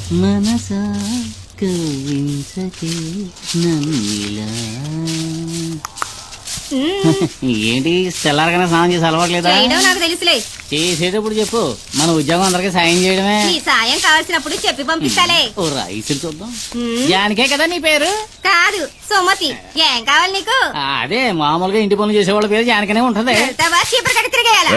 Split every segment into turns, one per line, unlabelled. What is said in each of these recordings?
మనసా కవించకే నన్నిలా. ఏంటి తెల్లారగానే స్నానం చేసి అలవాట్లేదా?
నాకు తెలుసులే.
చేసేటప్పుడు చెప్పు, మన ఉద్యోగం అందరికి సాయం చేయడమే.
నీ సాయం కావాల్సినప్పుడు చెప్పి పంపిస్తాలే.
ఓ రైసులు చూద్దాం. జానికే కదా నీ పేరు?
కాదు, సుమతి. ఏం కావాలి నీకు?
అదే మామూలుగా ఇంటి పనులు చేసేవాళ్ళ పేరు జానికనే ఉంటది.
చీపురు కట్టి తిరిగేయాలా?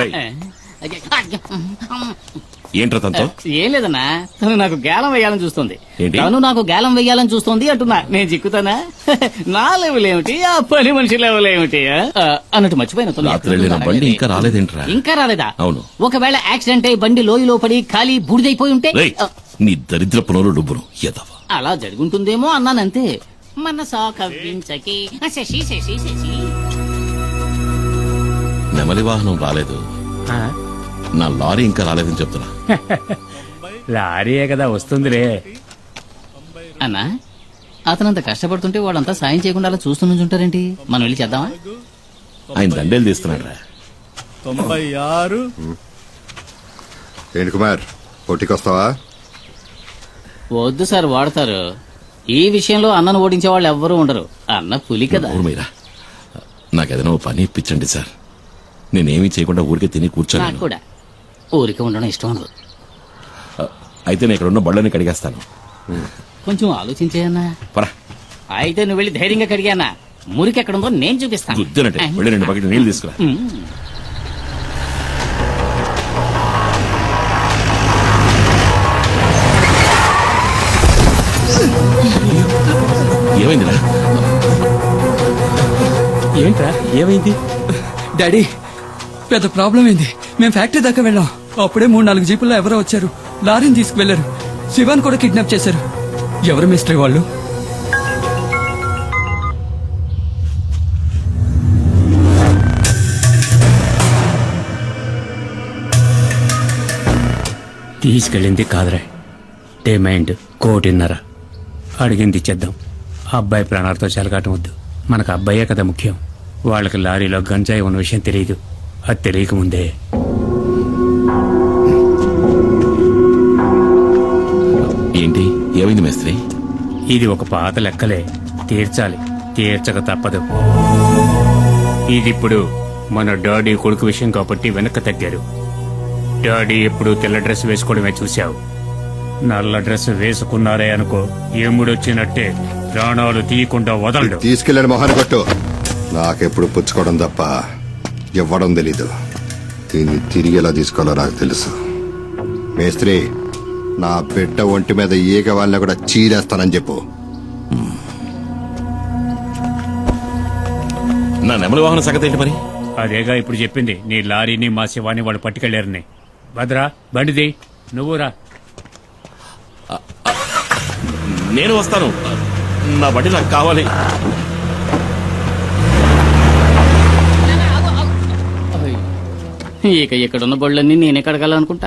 ఏంట్రా తనతో?
ఏం లేదన్నా, తను నాకు గేలం వేయాలని చూస్తుంది. తను నాకు గేలం వేయాలని చూస్తుంది అంటున్నా. నేను చిక్కుతానా? నా లెవెల్ ఏమిటి, ఆ పని మనిషి లెవెల్ ఏమిటి అన్నట్టు మర్చిపోయిన.
బండి ఇంకా రాలేదేంట్రా?
ఇంకా రాలేదా?
అవును.
ఒకవేళ యాక్సిడెంట్ అయి బండి లోయలో పడి ఖాళీ బూడిదైపోయి ఉంటే?
నీ దరిద్ర పునరు డుబ్బును ఎదవా.
అలా జరుగుంటుందేమో అన్నానంతే. మనసా కవ్వించకి శశి శశి శశి.
నెమలి వాహనం రాలేదు, నా లారీ ఇంకా రాలేదని చెప్తున్నా.
లారీయే కదా వస్తుందిలే
అన్నా. అతనంత కష్టపడుతుంటే వాళ్ళంతా సాయం చేయకుండా అలా చూస్తూ నుంచుంటారేంటి? మనం వెళ్ళి చేద్దామా?
ఆయన దండేలు తీస్తున్నాడు రా.
96.
ఏంటి కుమార్, పోటీకొస్తావా?
వద్దు సార్, వాడతారు. ఈ విషయంలో అన్నను ఓడించే వాళ్ళు ఎవ్వరూ ఉండరు. అన్న పులి కదా.
మీరా నాకేదైనా పని ఇప్పించండి సార్. నేనేమీ చేయకుండా ఊరికే తిని కూర్చోను.
నాకు కూడా ఊరికే ఉండడం ఇష్టం ఉండదు.
అయితే నేను ఇక్కడ ఉన్న బళ్ళని కడిగేస్తాను.
కొంచెం ఆలోచించేయన్నా.
పరా.
అయితే నువ్వు వెళ్ళి ధైర్యంగా కడిగానా? మురికి ఎక్కడ ఉందో నేను చూపిస్తాను.
గుద్దినట్టే వెళ్ళి 2 బకెట్ నీళ్ళు తీసుకురా. ఏమైందిరా?
ఏంట్రా ఏమైంది?
డాడీ, పెద్ద ప్రాబ్లం ఏంది. మేము ఫ్యాక్టరీ దాకా వెళ్ళాం. అప్పుడే 3-4 జీపుల్లో ఎవరో వచ్చారు. లారీని తీసుకువెళ్లారు. శివాన్ కూడా కిడ్నాప్ చేశారు. ఎవరు మిస్టరీ వాళ్ళు?
తీసుకెళ్ళింది కాదురా, డిమాండ్ 1.5 కోటి. అడిగింది ఇచ్చేద్దాం. అబ్బాయి ప్రాణాలతో చెలగాటం వద్దు. మనకు అబ్బాయే కదా ముఖ్యం. వాళ్ళకి లారీలో గంజాయి ఉన్న విషయం తెలియదు. అది తెలియకముందే
ఏంటి ఏమైంది మేస్త్రి?
ఇది ఒక పాత లెక్కలే, తీర్చాలి. తీర్చక తప్పదు. ఇదిప్పుడు మన డాడీ కొడుకు విషయం కాబట్టి వెనక్కి తగ్గారు. డాడీ ఎప్పుడు తెల్ల డ్రెస్ వేసుకోవడమే చూశావు. నల్ల డ్రెస్ వేసుకున్నారే అనుకో, ఎముడొచ్చినట్టే ప్రాణాలు తీయకుండా వదలడు.
తీసుకెళ్ళండి మొహాన్ని కొట్టు. నాకెప్పుడు పుచ్చుకోవడం తప్ప ఇవ్వడం తెలీదు. దీన్ని తిరిగి ఎలా తీసుకోవాలో నాకు తెలుసు. మేస్త్రి, నా బిడ్డ ఒంటి మీద ఈగ వాళ్ళని కూడా చీరేస్తానని చెప్పు.
నా నెమలి వాహన సంగతి ఏంటి మరి?
అదేగా ఇప్పుడు చెప్పింది. నీ లారీని మా శివాని వాళ్ళు పట్టుకెళ్లారని. భద్రా, బండిది. నువ్వు రా.
నేను వస్తాను. నా బండి నాకు కావాలి.
ఇక ఇక్కడున్న బళ్ళన్నీ నేనే కడగాలనుకుంటా.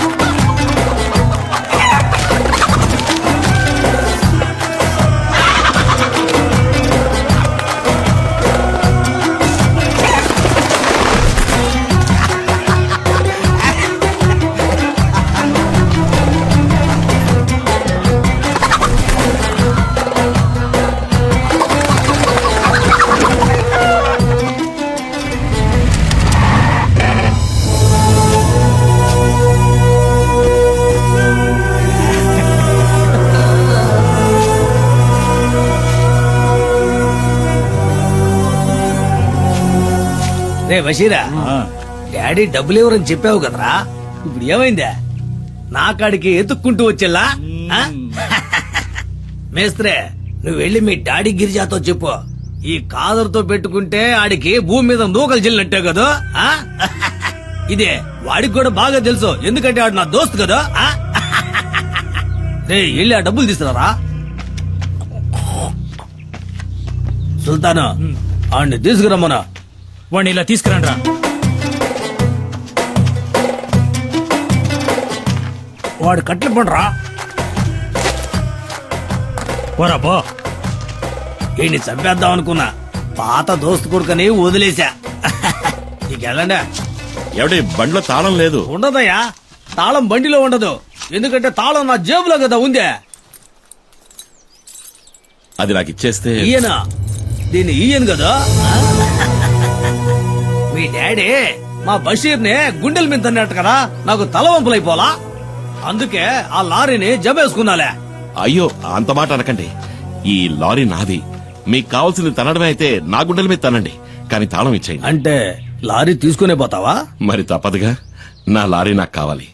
రే బషీరా, డాడీ డబ్బులు ఎవరని చెప్పావు కదరా, ఇప్పుడు ఏమైందా? నా కాడికి ఎత్తుక్కుంటూ వచ్చేలా? మేస్త్రే, నువ్వు వెళ్ళి మీ డాడీ గిరిజాతో చెప్పు, ఈ కాదరుతో పెట్టుకుంటే ఆడికి భూమి మీద నూకలు చెల్లినట్టే కదా. ఇదే వాడికి కూడా బాగా తెలుసు, ఎందుకంటే ఆడు నా దోస్తు కదా. రే వెళ్ళి ఆ డబ్బులు తీసుకురారా. సుల్తాను, ఆడిని తీసుకురమ్మనా.
వాడిని ఇలా తీసుకురండి రా.
వాడు కట్లు పండురా. పోరా పో. ఈయన్ని చంపేద్దాం అనుకున్నా, పాత దోస్తు కొడుకని వదిలేశా. నీకెళ్ళండి.
ఎవడి బండిలో తాళం లేదు?
ఉండదయ్యా, తాళం బండిలో ఉండదు, ఎందుకంటే తాళం నా జేబులో కదా ఉందే.
అది నాకు ఇచ్చేస్తే
ఈయన దీన్ని ఈయన కదా. మీ డాడీ మా బషీర్ ని గుండెల మీద తన్నట్టు కదా నాకు తలవంపులైపోలా. అందుకే ఆ లారీని జబేసుకున్నాలే.
అయ్యో అంత మాట అనకండి. ఈ లారీ నాది. మీకు కావాల్సింది తనడమే అయితే నా గుండెల మీద తనండి, కానీ తాళం ఇచ్చేయండి.
అంటే లారీ తీసుకునే పోతావా?
మరి తప్పదుగా, నా లారీ నాకు కావాలి.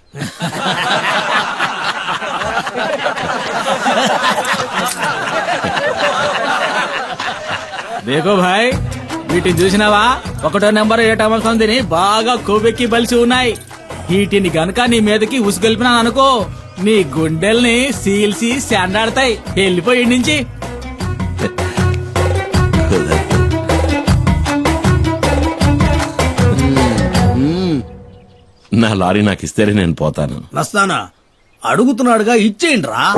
దేకో భాయ్, వీటిని చూసినావా? 1వ నెంబర్ 7వ సంధిని బాగా కొవ్వెక్కి బలిసి ఉన్నాయి. వీటిని గనక నీ మీదకి ఉసుగొల్పినాను అనుకో, నీ గుండెల్ని సీల్సి శాండాడతాయి. వెళ్ళిపోయి నుంచి.
నా లారీ నాకు ఇస్తేనే నేను పోతాను.
నస్తానా అడుగుతున్నాడుగా, ఇచ్చేయండి రా.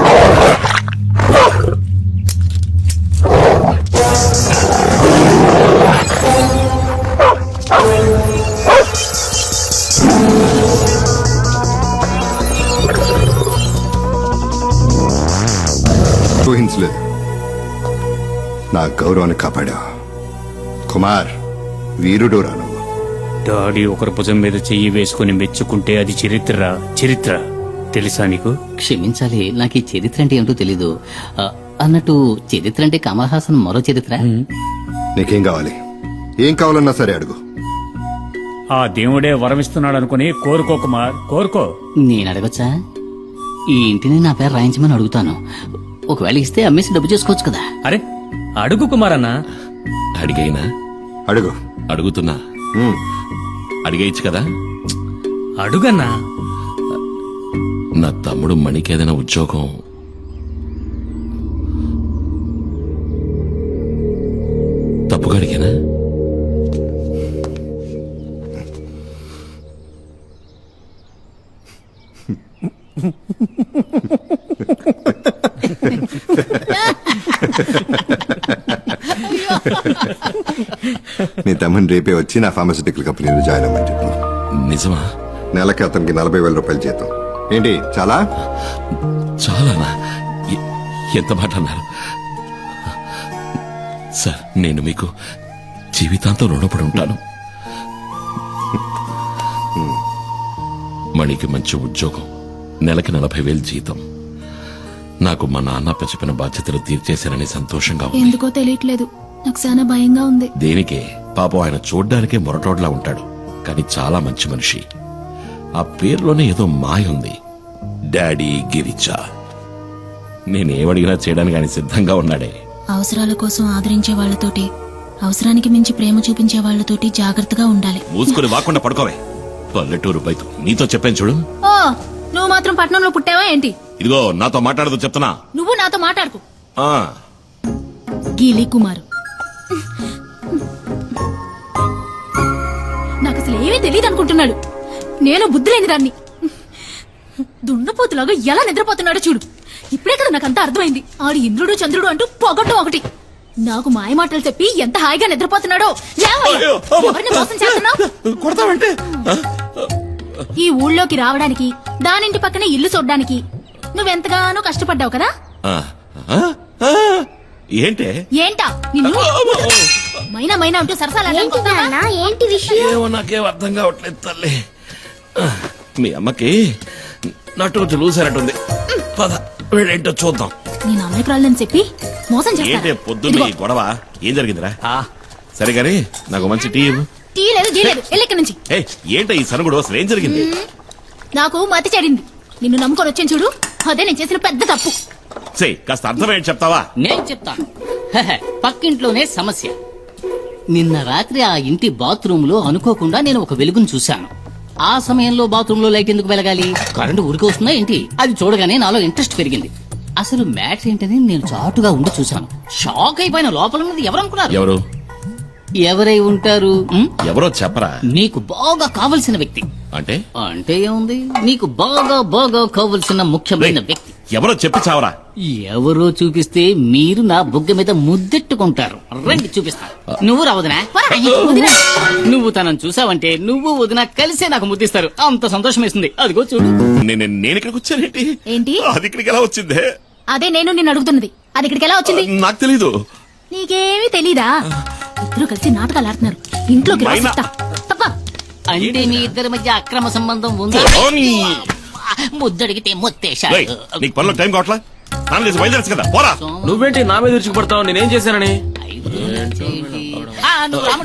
ఊహించలేదు. నా గౌరవాన్ని కాపాడా కుమార్. వీరుడు రాను.
డాడీ ఒకరి భుజం మీద చెయ్యి వేసుకుని మెచ్చుకుంటే అది చరిత్ర. చరిత్ర తెలుసా నీకు?
క్షమించాలి, నాకు ఈ చరిత్ర అంటే ఏమిటో తెలీదు. అన్నట్టు చరిత్ర అంటే కమల్ హాసన్ మరో చరిత్ర.
నీకేం కావాలి? ఏం కావాలన్నా సరే అడుగు.
ఆ దేవుడే వరమిస్తున్నాడు అనుకుని కోరుకో కుమార్, కోరుకో.
నేను అడగచ్చా? ఈ ఇంటిని నా పేరు రాయించమని అడుగుతాను. ఒకవేళ ఇస్తే అమ్మేసి డబ్బు చేసుకోవచ్చు కదా.
అరే అడుగు కుమార్ అన్న.
అడిగైనా
అడుగు.
అడుగుతున్నా,
ఉమ్.
అడిగేయచ్చు కదా.
అడుగన్నా.
నా తమ్ముడు మణికేదైనా ఉద్యోగం తప్పుగా అడిగానా?
నీ తమ్ముని రేపే వచ్చి నా ఫార్మస్యూటికల్ కంపెనీలో జాయిన్ అవ్వమని చెప్పు.
నిజమా?
నెలకి అతనికి 40,000 రూపాయలు జీతం. ఏంటి చాలా?
చాలానా? ఎంత మాట అన్నారు సార్. నేను మీకు జీవితాంతం రుణపడి ఉంటాను. మణికి మంచి ఉద్యోగం, నెలకి 40,000 జీతం. నాకు మా నాన్న చెప్పిన బాధ్యతలు తీర్చేశానని సంతోషంగా ఉంది.
ఎందుకో తెలియట్లేదు, నాకు చాలా భయంగా ఉంది.
దేనికే? పాపం ఆయన చూడ్డానికే మొరటోడ్లా ఉంటాడు, కానీ చాలా మంచి మనిషి. ఆ పేరులోనే ఏదో మాయ ఉంది. డాడీ గిరిజా. నేనేమడిగినా చేయడానికి ఆయన సిద్ధంగా ఉన్నాడే.
అవసరాల కోసం ఆదరించే వాళ్ళతోటి, అవసరానికి మించి ప్రేమ చూపించే వాళ్ళతోటి జాగ్రత్తగా ఉండాలి.
మూసుకుని వాకుండా పడుకోవే. పల్లెటూరు బయట నీతో చెప్పాను చూడు.
ఓ నువ్వు మాత్రం పట్నంలో పుట్టావా ఏంటి?
ఇదిగో నాతో మాట్లాడదు చెప్తున్నా.
నువ్వు నాతో మాట్లాడుకు.
ఆ,
గీలి కుమారు, నాకు అసలు ఏమీ తెలియదు అనుకుంటున్నాడు. నేను బుద్ధి లేని దాన్ని. దున్నపోతులాగా ఎలా నిద్రపోతున్నాడో చూడు. ఇప్పుడే కదా నాకు అంతా అర్థమైంది. ఆడు ఇంద్రుడు చంద్రుడు అంటూ పొగట్టం ఒకటి. నాకు మాయ మాటలు చెప్పి ఎంత హాయిగా నిద్రపోతున్నాడో. లేవయ్యా. ఎవరిని మోసం చేస్తున్నావు?
కొడతావంటే
ఈ ఊళ్ళోకి రావడానికి, దానింటి పక్కనే ఇల్లు చూడ్డానికి నువ్వెంతగానో కష్టపడ్డావు కదా.
ఆ, ఆ, ఆ, ఏంటే?
ఏంటా నిన్ను మైనా మైనా అంటూ సరసాలా? ఏంటి విషయం?
ఏమో నాకేం అర్థం కావట్లేదు తల్లి. మీ అమ్మకి నటు చూసారట్టుంది. పద వీళ్ళేంటో చూద్దాం.
నేను అమాయకురాలని చెప్పి మోసం
ఏంటే
చేస్తాను.
పొద్దున్న ఈ గొడవ? ఏం జరిగిందిరా? సరే గాని నాకు మంచి టీ ఇవ్వు.
టీ లేదు జీ లేదు, ఎల్లెక్కడి నుంచి.
ఏయ్, ఏంటో ఈ సనుగుడు? అసలు ఏం జరిగింది?
నాకు మతి చెడింది. నిన్ను నమ్ముకొని వచ్చాను చూడు, అదే నేను చేసిన పెద్ద తప్పు.
సే కాస్త అర్థమేంటి చెప్తావా?
నేను చెప్తాను. హెహె, పక్కింట్లోనే సమస్య. నిన్న రాత్రి ఆ ఇంటి బాత్రూమ్ లో అనుకోకుండా నేను ఒక వెలుగును చూశాను. ఆ సమయంలో బాత్రూమ్ లో లైట్ ఎందుకు వెలగాలి? కరెంటు ఊరికి వస్తుందా ఏంటి? అది చూడగానే నాలో ఇంట్రెస్ట్ పెరిగింది. అసలు మ్యాటర్ ఏంటని నేను చాటుగా ఉండి చూశాను. షాక్ అయిపోయిన. లోపల ఉన్నది ఎవరనుకున్నారు?
ఎవరు?
ఎవరై ఉంటారు?
ఎవరో చెప్పరా?
నీకు బాగా కావలసిన వ్యక్తి.
అంటే
అంటే ఏముంది, నీకు బాగా బాగా కావలసిన ముఖ్యమైన వ్యక్తి.
ఎవరో చెప్పి చావరా.
ఎవరో చూపిస్తే మీరు నా బుగ్గ మీద ముద్దెట్టుకుంటారు. రండి చూపిస్తా. నువ్వు రా వదినా.
వదినా.
నువ్వు తనను చూసావంటే నువ్వు వదిన కలిసే నాకు ముద్దిస్తారు. అంత సంతోషం వేస్తుంది. అదిగో చూడు.
నేను ఇక్కడికి వచ్చానేంటి?
ఏంటి?
అది ఇక్కడికి ఎలా వచ్చిందే?
అదే నేను నిన్ను అడుగుతున్నది. అది ఇక్కడికి ఎలా వచ్చింది?
నాకు తెలీదు.
నీకేమీ తెలీదా? ఇద్దరు కలిసి నాటకాలు ఆడుతున్నారు. ఇంట్లోకి రా
మైనా.
చెప్తా. తప్ప.
అంటే మీ ఇద్దరి మధ్య అక్రమ సంబంధం ఉంది.
ఓని.
ముద్దడిగితే
రేయ్,
ముత్తేశాడు.
నీకు పనిలో టైం కావట్లా? నాన్న చేసి బయలుదేరచ్చు కదా, పోరా.
నువ్వేంటి నా మీద విరుచుకుపడతావు? నేనేం చేశానని?
నువ్వు